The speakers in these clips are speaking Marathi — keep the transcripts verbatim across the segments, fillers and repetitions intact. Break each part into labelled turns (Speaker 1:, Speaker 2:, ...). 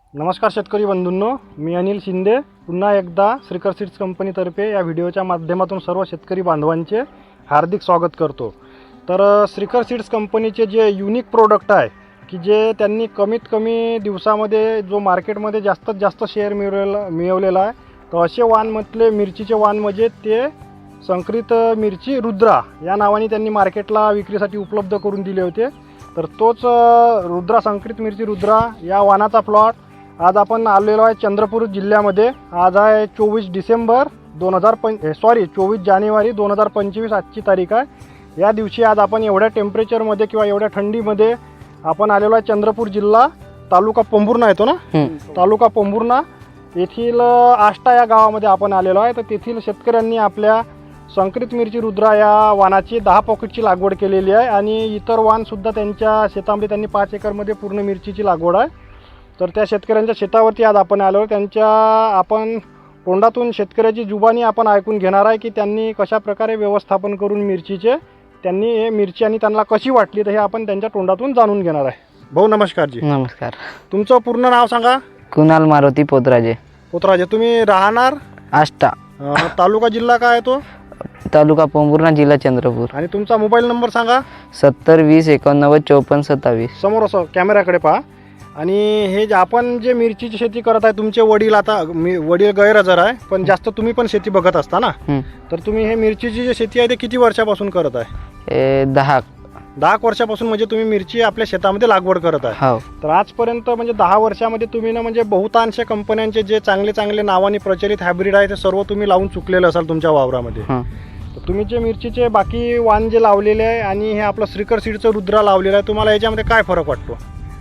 Speaker 1: नमस्कार शेतकरी बंधूंनो, मी अनिल शिंदे पुन्हा एकदा श्रीकर सीड्स कंपनीतर्फे या व्हिडिओच्या माध्यमातून सर्व शेतकरी बांधवांचे हार्दिक स्वागत करतो। तर श्रीकर सीड्स कंपनीचे जे युनिक प्रोडक्ट आहे की जे त्यांनी कमीत कमी दिवसामध्ये जो मार्केटमध्ये जास्तीत जास्त शेअर मिळवलेला मिळवलेला आहे, तर असे वाण म्हटले मिरचीचे वाण म्हणजे ते संकरित मिरची रुद्रा या नावाने त्यांनी मार्केटला विक्रीसाठी उपलब्ध करून दिले होते। तर तोच रुद्रा संकरित मिरची रुद्रा या वाणाचा प्लॉट आज आपण आलेलो आहे चंद्रपूर जिल्ह्यामध्ये। आज आहे चोवीस डिसेंबर दोन हजार पं सॉरी चोवीस जानेवारी दोन हजार पंचवीस आजची तारीख आहे। या दिवशी आज आपण एवढ्या टेम्परेचरमध्ये किंवा एवढ्या थंडीमध्ये आपण आलेलो आहे चंद्रपूर जिल्हा तालुका पोंभुर्णा येतो ना, तालुका पोंभुर्णा येथील आष्टा या गावामध्ये आपण आलेलो आहे। तर तेथील शेतकऱ्यांनी आपल्या संकरित मिरची रुद्रा या वाणाची दहा पॉकेटची लागवड केलेली आहे आणि इतर वाणसुद्धा त्यांच्या शेतामध्ये त्यांनी पाच एकरमध्ये पूर्ण मिरचीची लागवड आहे। तर त्या शेतकऱ्यांच्या शेतावरती आज आपण आलो, त्यांच्या आपण तोंडातून शेतकऱ्याची जुबानी आपण ऐकून घेणार आहे की त्यांनी कशा प्रकारे व्यवस्थापन करून मिरचीचे त्यांनी हे मिरची आणि त्यांना कशी वाटली, तर हे आपण त्यांच्या तोंडातून जाणून घेणार आहे। भाऊ नमस्कार जी।
Speaker 2: नमस्कार।
Speaker 1: तुमचं पूर्ण नाव सांगा?
Speaker 2: कुणाल मारुती पोतराजे।
Speaker 1: पोतराजे, तुम्ही राहणार
Speaker 2: आष्टा,
Speaker 1: तालुका जिल्हा काय तो?
Speaker 2: तालुका पोंभुर्णा, जिल्हा चंद्रपूर।
Speaker 1: आणि तुमचा मोबाईल नंबर सांगा?
Speaker 2: सत्तर वीस एकोणनव्वद चौपन्न सत्तावीस।
Speaker 1: समोर असं कॅमेऱ्याकडे पहा। आणि हे जे आपण जे मिरचीची शेती करत आहे, तुमचे वडील आता मी वडील गैरहजर आहे पण जास्त तुम्ही पण शेती बघत असता ना, तर तुम्ही हे मिरचीची जी शेती आहे ते किती वर्षापासून करत आहे?
Speaker 2: हे दहा
Speaker 1: दहा वर्षापासून म्हणजे तुम्ही मिरची आपल्या शेतामध्ये लागवड करत आहे।
Speaker 2: हो।
Speaker 1: तर आजपर्यंत म्हणजे दहा वर्षामध्ये तुम्ही ना म्हणजे बहुतांश कंपन्यांचे जे चांगले चांगले नावाने प्रचलित हायब्रिड आहे ते सर्व तुम्ही लावून चुकलेलं असाल तुमच्या वावरामध्ये। तर तुम्ही जे मिरचीचे बाकी वाण जे लावलेले आहे आणि हे आपलं श्रीकर सीडचं रुद्रा लावलेलं आहे, तुम्हाला याच्यामध्ये काय फरक वाटतो?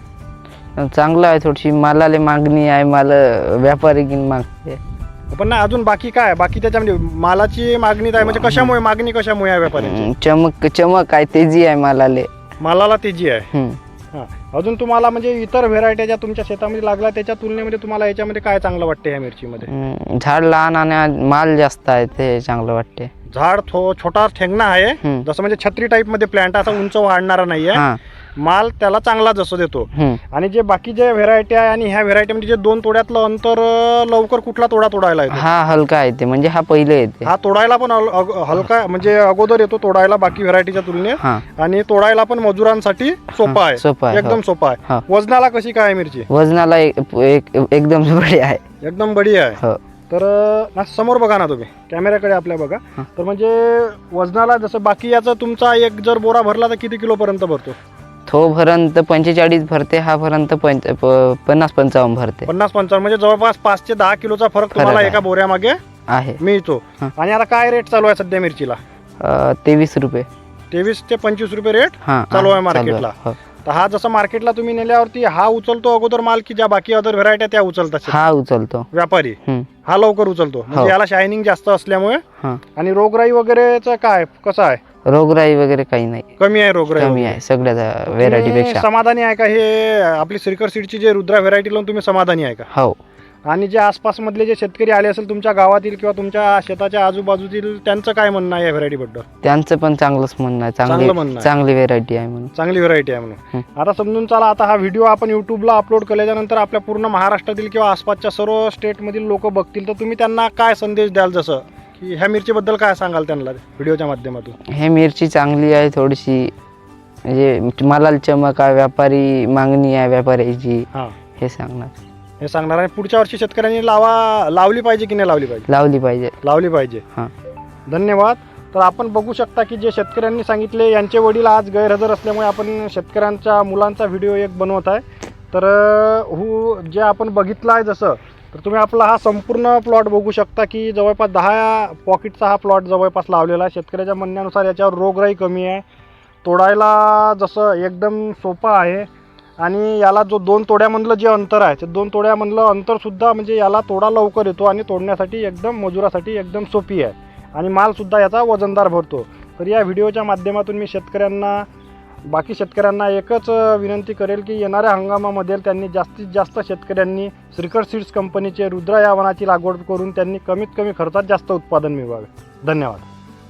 Speaker 2: चांगलं आहे, थोडीशी मालाला मागणी आहे, माल व्यापारी घेऊन मागते
Speaker 1: पण ना अजून बाकी काय बाकी त्याच्यामध्ये मालाची मागणी आहे म्हणजे कशामुळे मागणी कशामुळे आहे व्यापाऱ्यांची?
Speaker 2: चमक चमक आहे, तेजी आहे मालाले,
Speaker 1: मालाला तेजी आहे। हां, अजून तुम्हाला म्हणजे इतर व्हेरायटी ज्या तुमच्या शेतामध्ये लागल्या त्याच्या तुलनेमध्ये तुम्हाला याच्यामध्ये काय चांगलं वाटते ह्या मिरचीमध्ये?
Speaker 2: झाड लहान आणि माल जास्त आहे ते चांगलं वाटते।
Speaker 1: झाड थो छोटा ठेंगणा आहे, जसं म्हणजे छत्री टाईप मध्ये प्लांट, असा उंच वाढणारा नाही आहे, माल त्याला चांगला जसं देतो। आणि जे बाकी जे व्हेरायटी आहे आणि ह्या व्हेरायटीमध्ये जे दोन तोड्यातलं अंतर लवकर कुठला तोडा तोडायला येतो?
Speaker 2: हा हलका येते, म्हणजे हा पहिले येते,
Speaker 1: हा तोडायला पण हलका म्हणजे अगोदर येतो तोडायला बाकी व्हेरायटीच्या तुलनेत, आणि तोडायला पण मजुरांसाठी सोपा आहे,
Speaker 2: सोपा आहे,
Speaker 1: एकदम सोपा आहे। वजनाला कशी काय मिरची?
Speaker 2: वजनाला एकदम बडी आहे,
Speaker 1: एकदम बडी आहे। तर ना समोर बघा ना तुम्ही, कॅमेऱ्याकडे आपल्या बघा। तर म्हणजे वजनाला जसं बाकी याचा तुमचा एक जर बोरा भरला तर किती किलो पर्यंत भरतो?
Speaker 2: तो भरंत पंचेचाळीस भरते, हा भरंत पंच पन्नास पंचावन्न भरते।
Speaker 1: पन्नास पंचावन्न म्हणजे जवळपास पाच ते दहा किलोचा फरक तुम्हाला एका बोऱ्यामागे
Speaker 2: आहे
Speaker 1: मिळतो। आणि आता काय रेट चालू आहे सध्या मिरचीला?
Speaker 2: तेवीस रुपये
Speaker 1: तेवीस ते पंचवीस रुपये रेट चालू आहे मार्केटला। तर हा जसं मार्केटला तुम्ही नेल्यावरती हा उचलतो अगोदर माल की ज्या बाकी अदर व्हेरायटी त्या उचलतात?
Speaker 2: हा उचलतो व्यापारी,
Speaker 1: हा लवकर उचलतो म्हणजे याला शायनिंग जास्त असल्यामुळे। आणि रोगराई वगैरेचं काय कसं आहे?
Speaker 2: रोगराई वगैरे काही नाही,
Speaker 1: कमी आहे रोगराई,
Speaker 2: कमी आहे सगळ्या व्हेरायटी पेक्षा।
Speaker 1: समाधानी आहे का हे आपली श्रीकर सीडची जे रुद्रा व्हेरायटी लावून तुम्ही समाधानी आहे का?
Speaker 2: हो। आणि
Speaker 1: जे आसपास मधले जे शेतकरी आले असेल तुमच्या गावातील किंवा तुमच्या शेताच्या आजूबाजूतील, त्यांचं काय म्हणणं आहे या व्हेरायटी बद्दल?
Speaker 2: त्यांचं पण चांगलंच म्हणणं आहे, चांगली चांगली व्हेरायटी आहे म्हणून,
Speaker 1: चांगली व्हेरायटी आहे म्हणून। आता समजून चला, आता हा व्हिडिओ आपण युट्यूबला अपलोड केल्याच्या नंतर आपल्या पूर्ण महाराष्ट्रातील किंवा आसपासच्या सर्व स्टेटमधील लोक बघतील, तर तुम्ही त्यांना काय संदेश द्याल? जसं की ह्या मिरचीबद्दल काय सांगाल त्यांना व्हिडिओच्या माध्यमातून?
Speaker 2: हे मिरची चांगली आहे, थोडीशी म्हणजे मालाला चमक आहे, व्यापारी मागणी आहे व्यापाऱ्याची, हे सांगणार
Speaker 1: हे सांगणार आणि पुढच्या वर्षी शेतकऱ्यांनी लावा लावली पाहिजे की नाही लावली पाहिजे?
Speaker 2: लावली पाहिजे,
Speaker 1: लावली पाहिजे। हां, धन्यवाद। तर आपण बघू शकता की जे शेतकऱ्यांनी सांगितले, यांचे वडील आज गैरहजर असल्यामुळे आपण शेतकऱ्यांच्या मुलांचा व्हिडिओ एक बनवत आहे। तर हु जे आपण बघितलं आहे जसं, तर तुम्ही आपला हा संपूर्ण प्लॉट बघू शकता की जवळपास दहा पॉकेटचा हा प्लॉट जवळपास लावलेला आहे। शेतकऱ्याच्या म्हणण्यानुसार याच्यावर रोगराई कमी आहे, तोडायला जसं एकदम सोपा आहे, आणि याला जो दोन तोड्यामधलं जे अंतर आहे ते दोन तोड्यामधलं अंतरसुद्धा म्हणजे याला तोडा लवकर येतो आणि तोडण्यासाठी एकदम मजुरासाठी एकदम सोपी आहे, आणि मालसुद्धा याचा वजनदार भरतो। तर या व्हिडिओच्या माध्यमातून मी शेतकऱ्यांना बाकी शेतकऱ्यांना एकच विनंती करेल की येणाऱ्या हंगामामध्ये त्यांनी जास्तीत जास्त शेतकऱ्यांनी श्रीकर सीड्स कंपनीचे रुद्रा या वाणाची लागवड करून त्यांनी कमीत कमी खर्चात जास्त उत्पादन मिळवावे। धन्यवाद।